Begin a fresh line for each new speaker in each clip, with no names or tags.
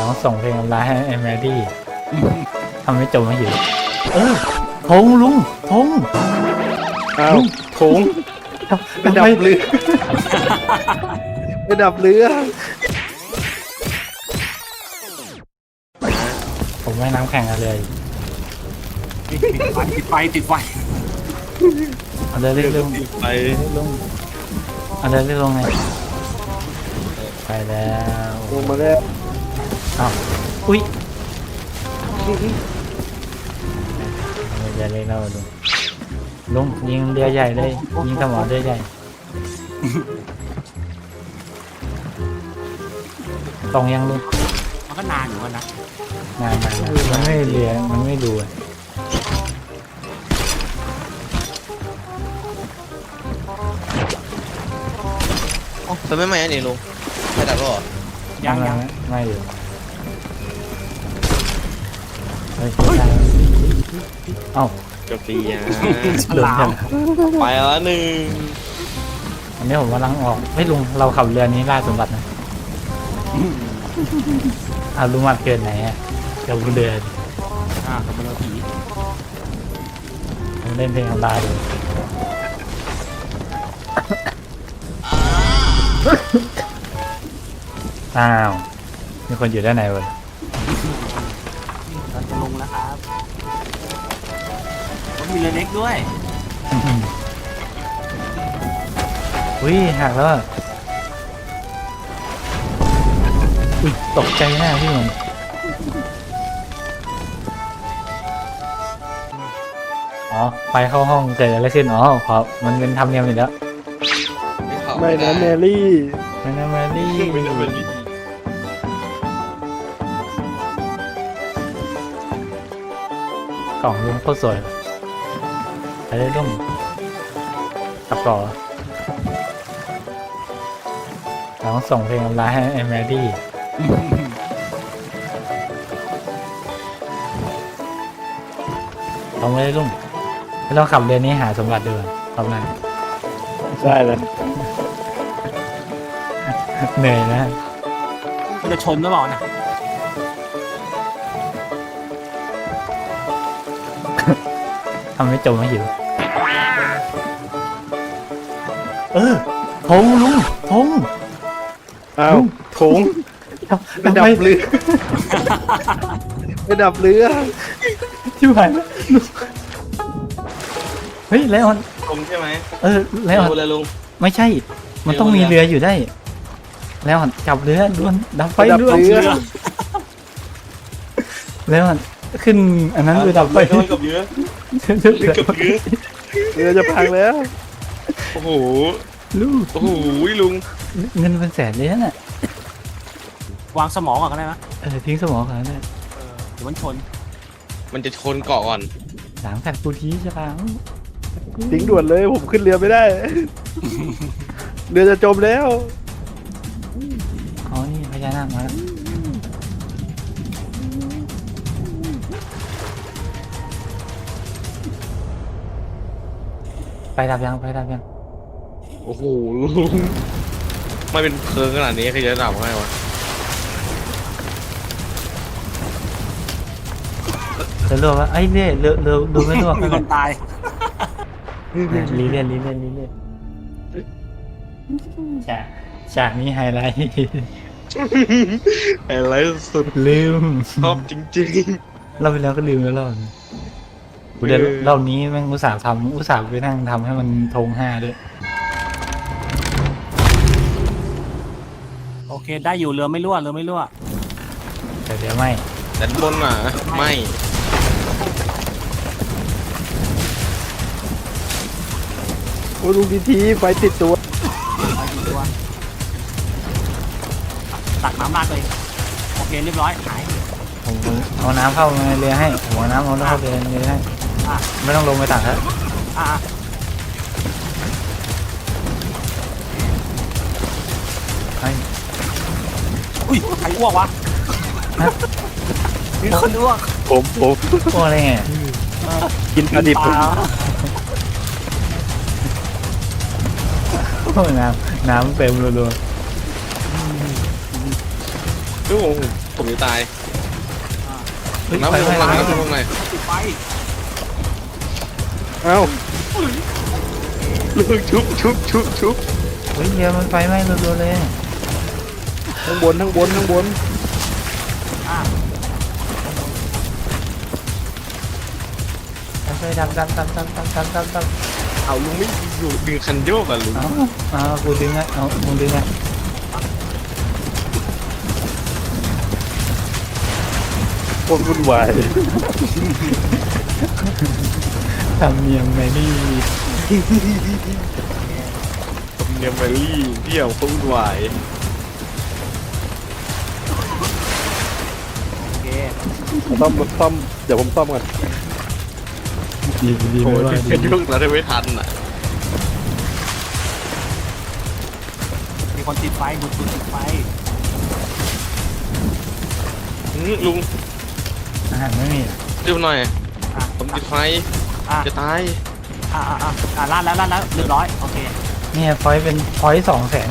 องส่งเพลงออนไลน์ให้ไอ้แมดี้ทำให้จมมาอยู่ธงลุงธง
อ้าวโถงไปดับเรือไปดับเรือ
ผมว่ายน้ำแข่งกันเลย
ติดไฟ
เอาเลยเรื่อยๆ
ไป
ลงเอาเลยเรื่อยๆลงไงไปแล้ว
ลงมาแล้ว
อ้าวอุ้ยอย่าเล่นเราลุงยิงเรือใหญ่เลยยิงสมอเรือใหญ่ตรงยังลุง
มันก็นานอยู่นะ
งานมันไม่เรือมันไม่ดูอะ
เป็นไม่ใหม่อันนี้ลุงไม่ดับหรอ
ยัง
ไม่อยู่เฮ้ยเอ้า
จบปีอ่ะ
ฉลาม
ไปแล้วหนึ่ง
อันนี้ผมกำลังออกไม่ลุงเราขับเรือนี้ล่าสมบัตินะเอาลุงมาเกินไหนอะเดี๋ยวเรือ
กับมันผี
ผมเล่นเพลงออนไลน์อยู่อ้าวมีคนอยู่ด้านในวะ
เราจะลงแล้วครับมันมีเรือเล็กด้วย
อุ้ยหักแล้วอะอุ้ยตกใจหน้าพี่มันอ๋อไปเข้าห้องเกิดอะไรขึ้นอ๋อขอมันเป็นธรรมเนียมอยู่แล้ว
ไม่นะแมรี่
ไม่นะแมรี่
ไม่ได้เป็น
กล่องลุงโคตรสวยไปเลยลุงกลับก่อนเราต้องส่งเพลงออนไลน์ให้ไอ้แมดี้ลองเลยลุงให้เราขับเรือนี้หาสมบัติดูทำไง
ใช่เลย
เหนื่อยนะ
มันจะชนหรือเปล่านะ
ทำให้จมมาอยู่ธงลุงธง
อ้าวโถงไปดับเรือไปดับเรือ
ชิบหายแล้วเฮ้ยไลออน
ลุงใช่ไหม
ไลออน
ดูเลยลุง
ไม่ใช่ มันต้องมีเรืออยู่ได้ไลออนจับเรือด่วนดับไฟ
ไปดับ
ด่วน
เรือ
ไลออนขึ้นอันนั้นเรือดับไฟ
โดนกับเยอะกับเยอะ
เรือจะพังแล้ว
โอ้โห
ลูก
โอ้โหลุง
เงินเป็นแสนเลยน่ะ
วางสมองก่อนก็ได้ไหม
ทิ้งสมองเขาเนี่ย
เดี๋ยวมันชน
มันจะชนเกาะก่อน
หลังแฟดกูทีใช่ปะ
ทิ้งด่วนเลยผมขึ้นเรือไม่ได้ เรือจะจมแล้ว
อ๋อนี่พญานาคมาแล้วไปดับยัง
โอ้โหลุงไม่เป็นเพลิงขนาดนี้ใครจะดับให้วะ
เรือวะไอ้เนี่ยเรือดูไม่รั่ว
มีคนตาย
ลีเลียนฉากนี้ไฮไลท์
อะไรสุด
ลืม
ชอบจริง
เราไปแล้วก็ลืมแล้วรอบนี้กูเดี๋ยวรอบนี้แม่งอุตส่าห์ไปนั่งทำให้มันธง5ด้วย
โอเคได้อยู่เรือไม่รั่ว
แต่เดี๋ยวไม่
ๆแต่บนอ่ะไม่
โอ้ดูทีไฟติดตัว
ไปกี่ตัวตักน้ำราดเลยโอเคเรียบร้อยหาย
ผมเอาน้ำเข้าในเรือให้ผมเอาน้ำเข้าไปในเรือให้
อ่ะ
ไม่ต้องลงไปตักแล้ว
อ่ะ
ไอ้
อุ้ยใครอ้วกวะมีคนอ้วก
ผม
พวกอะไรไง
กินปลาดิบ
ปลา
พวกน้ำเต็มรัว
ดูผมผมจะตาย
เฮ้ย
น้ำ
ไฟ
ล
ไหม้
งหน่อย
แล้ว
น้ำลงหน่อย
ติดไฟ
เอ้า
ลุงชุบ
เฮ้ยเรือมันไฟไหม้รัวๆเลย
ข้างบน
อ่ะ
ไปดับ
เอาลุงไม่อยู่ดึงคันโยกอ่ะลุง
เอากูดึงอ่ะเอามึงดึงอ่ะ
โคตรวุ่นวาย
ทำเนียมไงนี่
เนี่ยแมรี่เที่ยวพุ่งไหวาย
โอเค
ซ่อมเดี๋ยวผมซ่อมก่อน
ดี
โอ้
ไม่
ย
ว่า
ดึง
ดี
คันโยกแล้วได้ไม่ทันอ่ะ
มีคนติดไฟดูดติดไฟ
ลุง
อาหารไม่มี
เร็วหน่อย
อ่ะ
ผมติดไฟ
อ่ะ
จะตาย
ลาดแล้วเรียบร้อยโอเค
เนี่ยพอยเป็นพอย200,000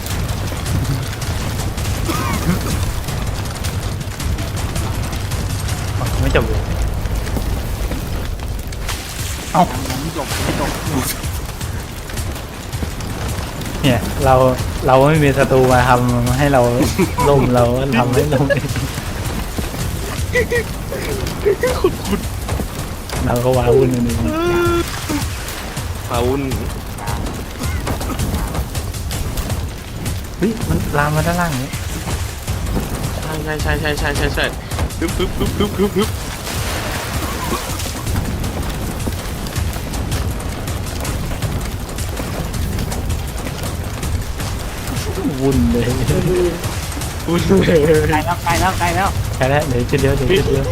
ไม่จบเลย
ยังไม่จบ
เนี่ยเราไม่มีศัตรูมาทำให้เราล่มเราก็ทำให้ล่มเองเราก็ว้าวุ่นอันนี้
พาวุ้น
เฮ้ยมันลามมาด้านล่างนี้
ใช่ฮึบ
วุ่นเลย
วุ้นเลย
ใกล้แล้ว
ใช่แล้วเดี๋ยวจุดเดียว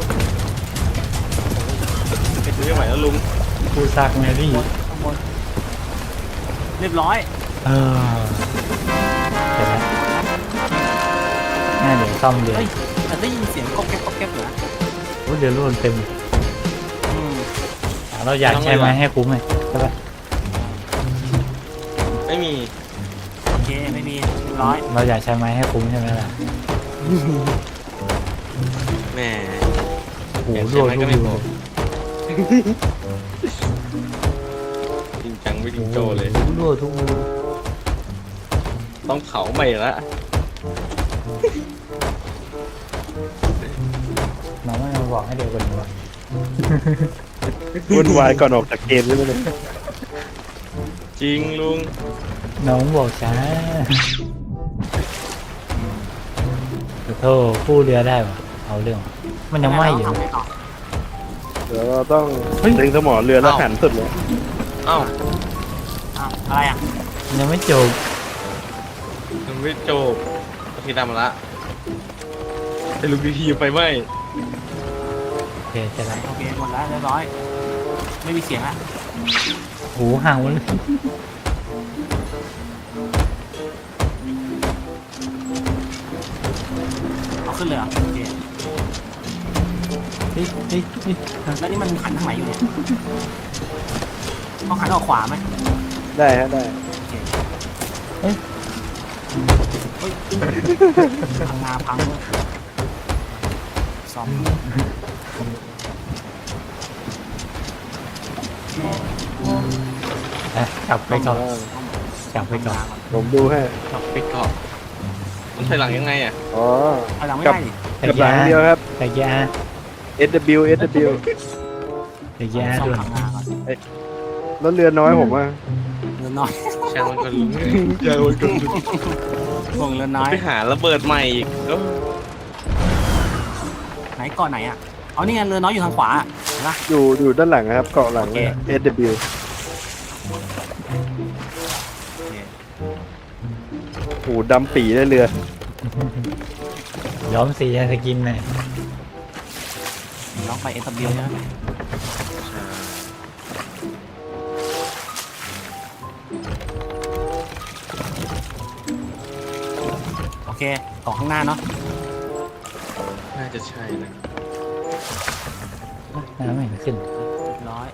ไม่ไหวแล้วลุง
ผู้ซากแมรี่
ข้างบนเรียบร้อย
ใช่แล้วง่ายเดี๋ยวซ่อมเรือ
เฮ้ยแต่ได้ยินเสียงก๊อบแก๊บเหรอ
โอ้เรือรุ่นเต็ม
อืม
เราอยากใช้ไม้ให้คุ้มเลยใช่ปะ
ไม่มี
โอเคไม่มีเรียบร้อย
เราอยากใช้ไม้ให้คุ้มใช่ไหมล่ะ
แหม
โอ้โห
อยาก
รั
ใช้
ว
ไม้ก็
รั
ไม่พ
ว
อ จริงจังไม่จริงโจเลย
รัวทุกรู
ต้องเผาใหม่ละ
น้องไม่มาบอกให้เดี๋ยวกันดีกว่า
วุ่นวายก่อนออกจากเกมใช่ไหมเนี่ย
จริงลุง
น้องบอกช้าขอโทษกู้เรือได้ปะเอาเรื่อง มันยังไหม้อยู่
ทำ
นะ
ไงต่อ
เดี๋ยวเราต้อง
เฮ้ย
ดึงสมอเรือแล้วหันสุดเลย
เอ้า
อะไรอ่ะ
มันยังไม่จบ
มันไม่จบทีดำมาละไอ้ลุงดีทีไปไหม
โอเคใช่แล้ว
โอเคหมดแล้วเรียบร้อย ไม่มีเสียงละ
หูห่างมัน
เอาขึ้นเลยเหรอโอเค
เฮ้ย
แล้วนี่มันหันทางไหนอยู่เนี่ยต้องหันออกขวาไหม
ได้ฮะได้
เฮ้ยพังงาพังเลยซ่อม
กลับไปก่อนกลับไปก่อน
ผมดูให้
กลับไปเกาะมันถอยหลังยังไงอ่ะ
อ๋อ
เอาหลังไม่ได้ดิ
แต่
กับหลั
ยาง
เดียวครับ
แต่ยา
SW
แต่ยา
ซ่อม
ด้วย
พังงาก่อน
แล้วเรือน้อยผมอ่ะ
เรือน้อย
ช่างมันก็ลุงช่างมันก็ลุง
วงเรือน้อย
ไปหาระเบิดใหม่อีกก็
ไหนเกาะไหนอ่ะเอานี่ไงเรือน้อยอยู่ทางขวาเห็นปะ
อยู่ด้านหลังนะครับ เกาะหลังเลย SW โอ้โหดำปีได้เรือ
ย้อมสีสกินหน่อย
ลองไป SW ใช่ไหมโอเคเกาะข้างหน้าเนาะ
น่าจะใช่นะ
น้ำไม่เห็นขึ้น
เรียบร้อย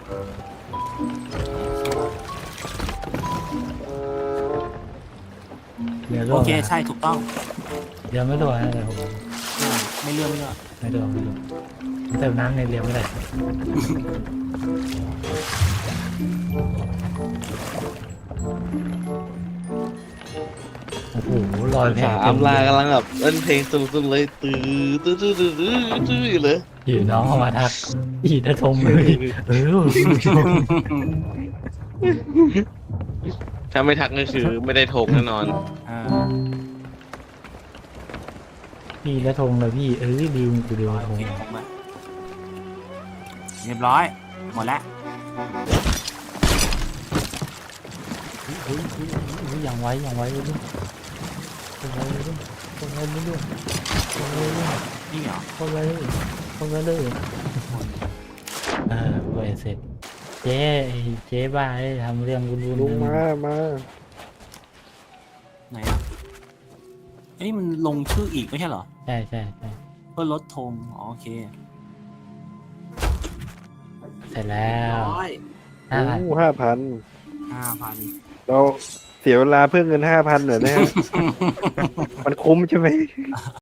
เรือรั่
โอ
ว
เคใช่ถูกต้อง
เรือไม่รั่วนะแต่ผม
ไไม่เลื่อนไม่เลื่อน
ไม่ดูไม่ดูเติมน้ำในเรือไม่ได้โอ้โหลอยแพ
สามลากำลังแบบเล่นเพลงสุดๆเลยตื้อตื้อตื้อตื้อตื้อตื้ออยู่เลย
อยู่น้องเข้ามาทักอีนะทงเลยเออ
ถ้าไม่ทักก็คือไม่ได้ทงแน่นอน
อ่า
พี่นะทงเลยพี่ลืมกูลืม
โอ
ทง
เคผมอะเรียบร้อย หมดแล้ว
เฮ้ยอย่างไว้อย่างไว้เลยตรงไว้เลยตรงไว้เลยตรงไว้เลย
นี่เหรอ
ตรงไว้เลยตรงไว้เลยเว้ยเสร็จเจ๊เจ๊บ้าเลยทำเรื่องวุ่น
ลุงมา
ไหนอ่ะอันนี้มันลงชื่ออีกไม่ใช่เหรอ
ใช่ใช่ใช่
เพื่อลดธงอ๋อโอเค
เสร็จแล้ว
ร้อย
โอ้
5,000
5,000
เราเสียเวลาเพื่อเงิน5,000เหรอนะฮะ มันคุ้มใช่ไหม